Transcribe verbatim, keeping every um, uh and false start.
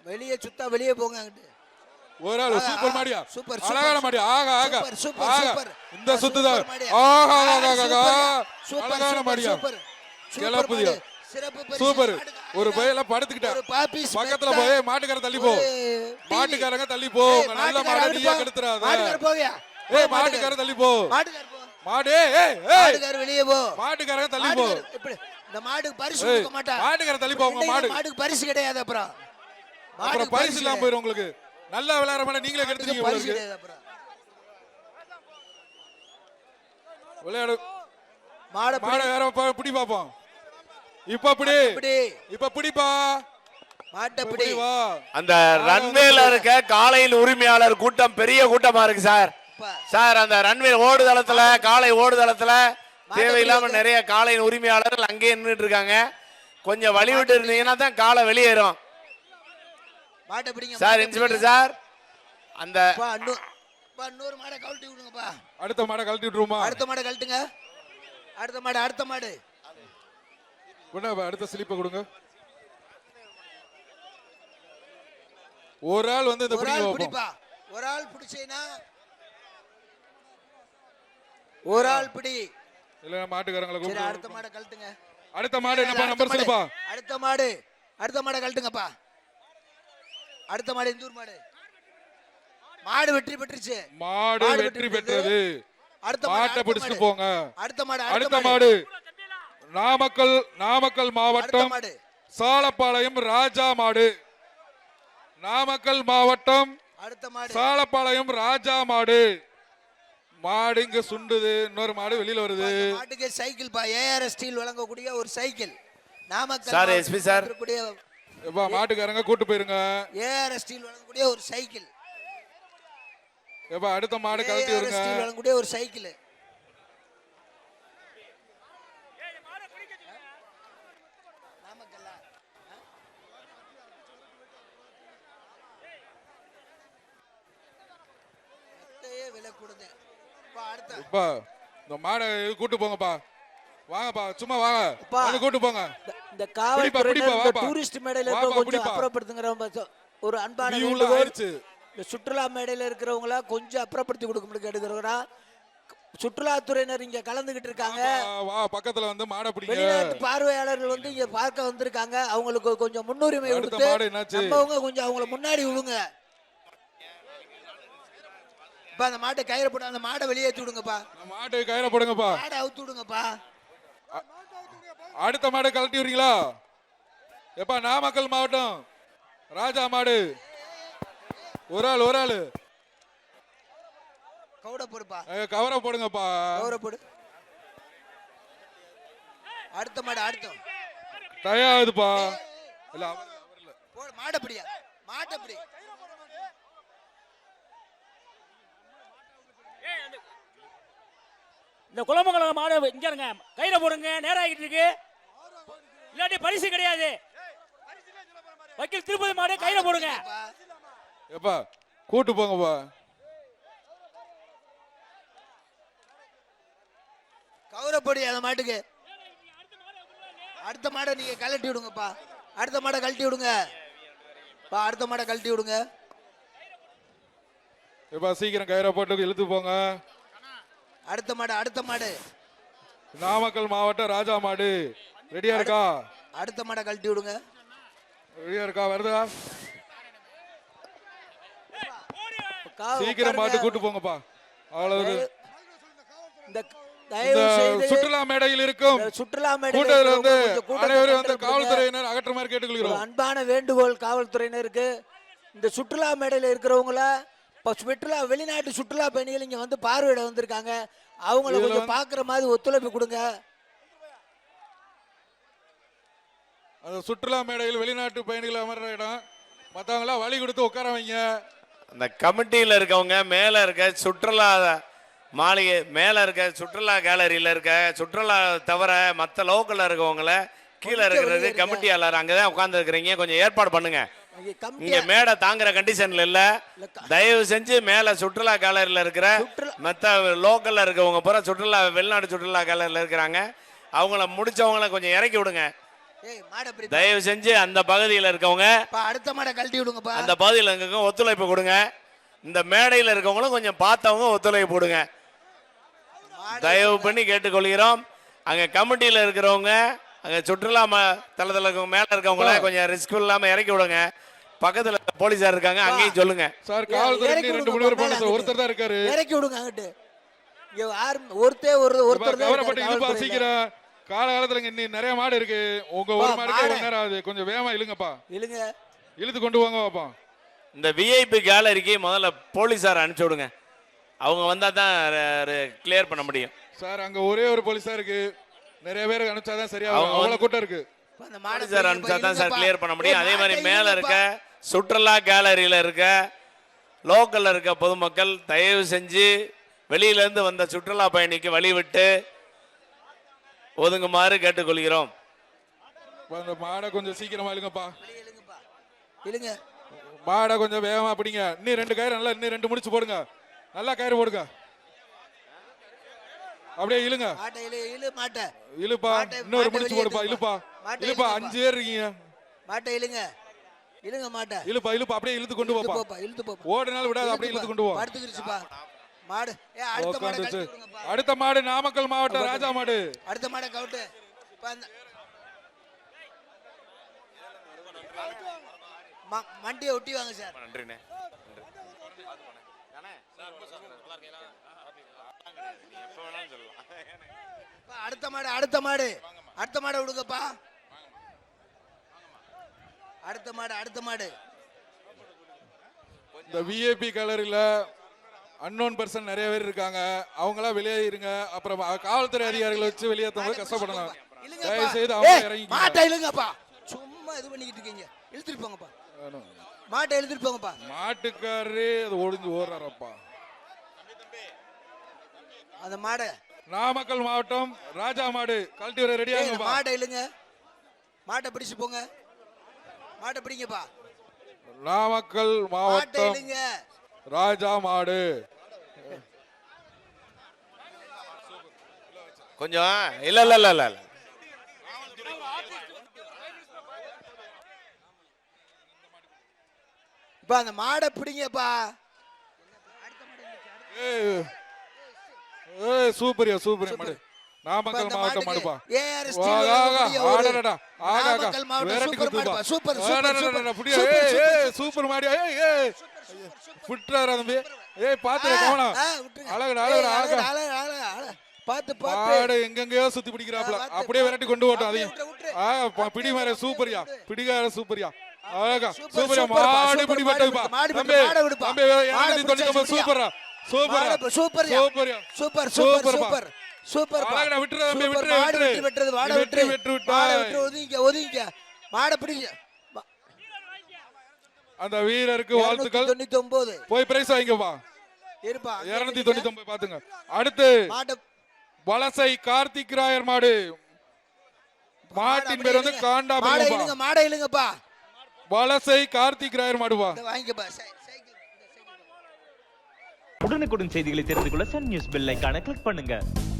வெளியே சுத்தா வெளியே போங்க. ஒரு ஆள் சூப்பர் மாடியா, சூப்பர் அழகான மாடியா. ஆக ஆக சூப்பர் சூப்பர். இந்த சுத்துதான். ஆக ஆக ஆக அழகான மாடியா. கிளப்புதியா சிறப்பு பரிசு. சூப்பர். ஒரு பையல படுத்துக்கிட்டா பக்கத்துல போய் மாட்டுக்கார தள்ளி போ, மாட்டுக்காரங்க தள்ளி போ. நல்ல மாடு நீயே கெடுத்துறாத. மாட்டுக்கார போயா. ஏய் மாட்டுக்கார தள்ளி போ. மாட்டுக்கார போ. மாடு ஏய் ஏய் மாட்டுக்கார வெளியே போ. மாட்டுக்காரங்க தள்ளி போ. இப்படி இந்த மாடுக்கு பரிசு கொடுக்க மாட்டா. மாட்டுக்கார தள்ளி போ. உங்க மாடு மாடுக்கு பரிசு கிடையாது. அப்புறம் அப்புறம் பரிசு இல்லாம போயிரும் உங்களுக்கு. நல்லா விளையாடுற மாட நீங்களே கெடுத்துட்டீங்க உங்களுக்கு. விளையாடு மாட மாட வேற பிடி பாப்போம். இப்ப பிடி இப்ப பிடிப்பா மாட்ட பிடி. அந்த ரன்வேல இருக்க காளையின் உரிமையாளர் கூட்டம் பெரிய கூட்டமா இருக்கு சார். சார் அந்த ரன்வே ஓடுதளத்துல காளை ஓடுதளத்துல தேவையில்லாம நிறைய காளையின் உரிமையாளர்கள் அங்கேயே நின்றுட்டு இருக்காங்க. கொஞ்சம் வழி விட்டு இருந்தீங்கன்னா தான் காளை வெளியேறும் சார். இன்ஸ்பெக்டர் சார் அந்த இன்னொரு மாடை கழட்டி விடுங்கப்பா. அடுத்த மாடை கழட்டி விட்டுருமா? அடுத்த மாடை கழட்டுங்க. அடுத்த மாடு அடுத்த மாடு அடுத்த ஸ்லிப்பை கொடுங்க. ஒரு ஆள் வந்து இந்த பிடிப்பா. ஒரு ஆள் பிடிச்சேனா ஒரு ஆள் பிடி. இல்ல மாட்டுக்காரங்களை கூப்பிடு. அடுத்த மாடை கழட்டுங்க. அடுத்த மாடு என்னப்பா நம்பர் சொல்லுப்பா. அடுத்த மாடு அடுத்த மாடை கழட்டுங்கப்பா. அடுத்த மாடு இந்தூர் மாடு. மாடு வெற்றி பெற்றுச்சு. மாடு வெற்றி பெற்றது. அடுத்த மாட்டை பிடிச்சிட்டு போங்க. அடுத்த மாடு அடுத்த மாடு நாமக்கல் நாமக்கல் மாவட்டம் சாலப்பாளையம் ராஜா மாடு. நாமக்கல் மாவட்டம் அடுத்த மாடு சாலப்பாளையம் ராஜா மாடு. மாடு இங்க சுண்டுது. இன்னொரு மாடு வெளியில வருது. மாட்டுக்கு சைக்கிள் பா. ஏஆர் ஸ்டீல் வழங்கக்கூடிய ஒரு cycle. Namakkal sir SP sir எப்பா மாட்டுக்காரங்க கூட்டு போயிருங்க. ஏஆர் ஸ்டீல் வழங்கக்கூடிய ஒரு சைக்கிள். எப்பா அடுத்த மாடு கழட்டி வருங்க. ஏஆர் ஸ்டீல் வழங்கக்கூடிய ஒரு சைக்கிள். இப்பா இந்த மாடை கூட்டு போங்கப்பா. வாங்கப்பா சும்மா வாங்க. வந்து கூட்டு போங்க. இந்த காவல்துறை டூரிஸ்ட் மேடையில இருக்க கொஞ்சம் அப்புறப்படுத்துங்கற ஒரு அன்பான வேண்டுகோள். இந்த சுற்றுலா மேடையில இருக்கிறவங்கள கொஞ்சம் அப்புறப்படுத்தி கொடுக்க கேட்டுக்கிறோம்னா. சுற்றுலாத்துறையினர் இங்க கலந்துகிட்டு இருக்காங்க. வா பக்கத்துல வந்து மாடை பிடிங்க. வெளிநாட்டு பார்வையாளர்கள் வந்து இங்க பார்க்க வந்திருக்காங்க. அவங்களுக்கு கொஞ்சம் முன்னுரிமை கொடுத்து நம்மவங்க கொஞ்சம் அவங்கள முன்னாடி விடுங்க. அந்த மாட்டை கயிறு போடு. அந்த மாடை வெளியே ஏத்தி விடுங்கப்பா. மாட்டை கயிறு போடுங்கப்பா. மாடை அவுத்து விடுங்கப்பா. அடுத்த மாடை கழட்டி விடுறீங்களா? எப்பா நாமக்கல் மாவட்டம் ராஜா மாடு. ஒரு ஆள் ஒரு ஆள் கவுட போடுப்பா. கவரை போடுங்கப்பா. கவரை போடு. அடுத்த மாடு அடுத்த டயாதுப்பா. இல்ல அவர்ல போடு. மாடை பிடியா. மாட்டை பிடி. இந்த குளமங்கலம் மாடு இங்க இருங்க. கையில போடுங்க. நேரம் ஆகிட்டு இருக்கு. இல்லாட்டி பரிசு கிடையாது. வக்கீல் திருப்பதி மாடு கையில போடுங்க. எப்பா கூட்டு போங்கப்பா. கௌரப்படி அந்த மாட்டுக்கு. அடுத்த மாடை நீங்க கழட்டி விடுங்கப்பா. அடுத்த மாடை கழட்டி விடுங்க. அடுத்த மாடை கழட்டி விடுங்க. எப்பா சீக்கிரம் கயிறை போட்டு இழுத்து போங்க. அடுத்த மாடு அடுத்த மாடு நாமக்கல் மாவட்டம் ராஜா மாடு. ரெடியா இருக்கா? அடுத்த மாடை கழட்டி விடுங்க. ரெடியா இருக்கா? வருதா? சீக்கிரம் மாட்டு கூட்டு போங்கப்பா. அவ்வளவு. இந்த சுற்றுலா மேடையில் இருக்கும் சுற்றுலா மேடையில் வந்து அனைவரும் வந்து காவல்துறையினர் அகற்றுமாறு கேட்டுக்கொள்கிறோம். அன்பான வேண்டுகோள் காவல்துறையினருக்கு. இந்த சுற்றுலா மேடையில் இருக்கிறவங்கள சுற்றுலா வெளிநாட்டு சுற்றுலா பயணிகள் இங்க வந்து பார்வையிட வந்திருக்காங்க. அவங்கள கொஞ்சம் பாக்குற மாதிரி ஒத்துழைப்பு கொடுங்க. அந்த சுற்றுலா மேடையில் வெளிநாட்டு பயணிகள் அமர்ற இடம் மற்றவங்களா வழி கொடுத்து உட்கார வைங்க. அந்த கமிட்டியில் இருக்கவங்க மேல இருக்க சுற்றுலா மாளிகை மேல இருக்க சுற்றுலா கேலரியில இருக்க சுற்றுலா தவிர மற்ற லோக்கல்ல இருக்கவங்கள கீழே இருக்கிறது கமிட்டியாளர் அங்கதான் உட்கார்ந்து இருக்கிறீங்க. கொஞ்சம் ஏற்பாடு பண்ணுங்க. இங்க மேடை தாங்குற கண்டிஷன்ல இல்ல. தயவு செஞ்சு மேல சுற்றுலா கேலரியில இருக்கிற மத்த லோக்கல்ல இருக்கவங்க பூரா சுற்றுலா வெளிநாடு சுற்றுலா கேலரியில இருக்கிறாங்க. அவங்கள முடிச்சவங்கள கொஞ்சம் இறக்கி விடுங்க. ஏய் மாடை பிடி தயவு செஞ்சு அந்த பகுதியில் இருக்கவங்க பா அடுத்த மாடை கழட்டி விடுங்கப்பா. அந்த பகுதியில் இருக்கவங்க ஒத்துழைப்பு கொடுங்க. இந்த மேடையில் இருக்கவங்களும் கொஞ்சம் பார்த்தவங்க ஒத்துழைப்பு கொடுங்க. தயவு பண்ணி கேட்டுக்கொள்கிறோம். அங்க கமிட்டியில் இருக்கிறவங்க அங்க சுற்றுலா தளத்தில் இருக்கவங்க மேல இருக்கவங்கள கொஞ்சம் ரிஸ்க் இல்லாம இறக்கி விடுங்க. பக்கத்துல போலீஸார் இருக்காங்க, அங்கேயும் சொல்லுங்க. சார் காவல்துறை ரெண்டு மூணு பேர் போன ஒருத்தர் தான் இருக்காரு. இறக்கி விடுங்க அங்கிட்டு. இங்க யார் ஒருத்தே ஒரு ஒருத்தர் தான் கவரப்பட்டு இழுப்பா சீக்கிரம். காலகாலத்துல இங்க இன்னும் நிறைய மாடு இருக்கு. உங்க ஒரு மாடுக்கே ஒரு நேரம் ஆகுது. கொஞ்சம் வேகமா இழுங்கப்பா. இழுங்க. இழுத்து கொண்டு வாங்க பாப்பா. இந்த விஐபி கேலரிக்கு முதல்ல போலீஸார் அனுப்பிச்சு விடுங்க. அவங்க வந்தா தான் கிளியர் பண்ண முடியும். சார் அங்க ஒரே ஒரு போலீஸா இருக்கு. நிறைய பேர் அனுப்பிச்சாதான் சரியா அவ்வளவு கூட்டம் இருக்கு. போலீஸார் அனுப்பிச்சா தான் சார் கிளியர் பண்ண முடியும். அதே மாதிரி மேல இருக்க சுற்றுலா கேலரியில இருக்க லோக்கல்ல இருக்க பொதுமக்கள் தயவு செஞ்சு வெளியில இருந்து வந்த சுற்றுலா பயணிக்கு வழி விட்டு ஒதுங்குமாறு கேட்டுக்கொள்கிறோம். அந்த மாடை கொஞ்சம் சீக்கிரமா இழுங்கப்பா. இழுங்க. மாடை கொஞ்சம் வேகமா பிடிங்க. இன்னும் ரெண்டு கயிறு நல்லா இன்னும் ரெண்டு முடிச்சு போடுங்க. நல்லா கயிறு போடுங்க. அப்படியே இழுங்க. மாட்டை இழு இழு மாட்டை. இழுப்பா. இன்னொரு முடிச்சு போடுப்பா. இழுப்பா. இழுப்பா. அஞ்சு பேர் இருக்கீங்க. மாட்டை இழுங்க. இழுங்க மாட்டை. இழுப்பா இழுப்பா அப்படியே இழுத்து கொண்டு போப்பா. இழுத்து போப்பா. ஓடுனால விடாத அப்படியே இழுத்து கொண்டு போ. படுத்துக்கிருச்சுப்பா. மாடு. ஏ அடுத்த மாடை கழட்டி விடுங்கப்பா. அடுத்த மாடு நாமக்கல் மாவட்டம் ராஜா மாடு. அடுத்த மாடை கவுட்டு. இப்ப அந்த மண்டியை ஒட்டி வாங்க சார். நன்றிண்ணே. அடுத்த மாடு அடுத்த மாடு அடுத்த மாடை விடுங்கப்பா. அடுத்த மாடு அடுத்த மாடு. இந்த விஐபி கலரில அன்னோன் பர்சன் நிறைய பேர் இருக்காங்க. அவங்களா வெளியேறிங்க. அப்புறம் காவல்துறை அதிகாரிகளை வச்சு வெளியேற்றவங்க கஷ்டப்படலாம். தயவு செய்து அவங்க இறங்கி மாட்டை இழுங்கப்பா. சும்மா இது பண்ணிக்கிட்டு இருக்கீங்க. இழுத்துட்டு போங்கப்பா. மாட்டை இழுத்துட்டு போங்கப்பா. மாட்டுக்காரரே அது ஒளிஞ்சு ஓடுறாரப்பா. அந்த மாடை நாமக்கல் மாவட்டம் ராஜா மாடு கழட்டி வர ரெடியா இருங்கப்பா. மாட்டை இழுங்க. மாட்டை பிடிச்சு போங்க. மாட்டை பிடிங்கப்பா. நாமக்கல் மாவட்டம் ராஜா மாடு. கொஞ்சம் இல்ல இல்ல இல்ல இல்ல இப்ப அந்த மாடை பிடிங்கப்பா. ஏய் ஏய் சூப்பர்யா சூப்பர் மாடு. நாமக்கல் மாவட்டம் மாடுப்பா. ஏஆர் ஸ்டீல் ஆடடடா ஆகா நாமக்கல் மாவட்டம் சூப்பர் மாடுப்பா. சூப்பர் ஆடடடா புடியா. ஏய் ஏய் சூப்பர் மாடு. ஏய் ஏய் புட்றாரா தம்பி. ஏய் பாத்து கவனம். அழகுடா அழகுடா ஆகா. பாத்து பாத்து மாடு எங்கெங்கயோ சுத்தி பிடிக்கறாப்ல. அப்படியே விரட்டி கொண்டு ஓட்டும் அதையும். ஆ பிடி மாரே சூப்பர்யா. பிடிகார சூப்பர்யா. அழகா சூப்பர்யா. மாடு பிடி பட்டதுப்பா. தம்பி தம்பி இருநூற்று தொண்ணூற்று ஒன்பது சூப்பர்ரா. சூப்பர் சூப்பர் சூப்பர்யா. சூப்பர் சூப்பர் சூப்பர் சூப்பர் அழகா விட்டுற தம்பி விட்டுற மாடு விட்டு விட்டுறது. மாடு விட்டு விட்டு விட்டு மாடு விட்டு ஒதுங்க ஒதுங்க. மாடை பிடிங்க. அந்த வீரருக்கு வாழ்த்துக்கள். தொண்ணூற்று ஒன்பது போய் பிரைஸ் வாங்கிப்பா. இருப்பா. இருநூற்று தொண்ணூற்று ஒன்பது பாத்துங்க. அடுத்து மாடு வலசை கார்த்திக் ராயர் மாடு. மாட்டின் பேர் வந்து காண்டா. மாடை இழுங்க. மாடை இழுங்கப்பா. வலசை கார்த்திக் ராயர் மாடுவா. வாங்கிக்கப்பா. உடனுக்குடன் செய்திகளை தெரிந்து கொள்ள சன் நியூஸ் பெல் ஐகானை கிளிக் பண்ணுங்க.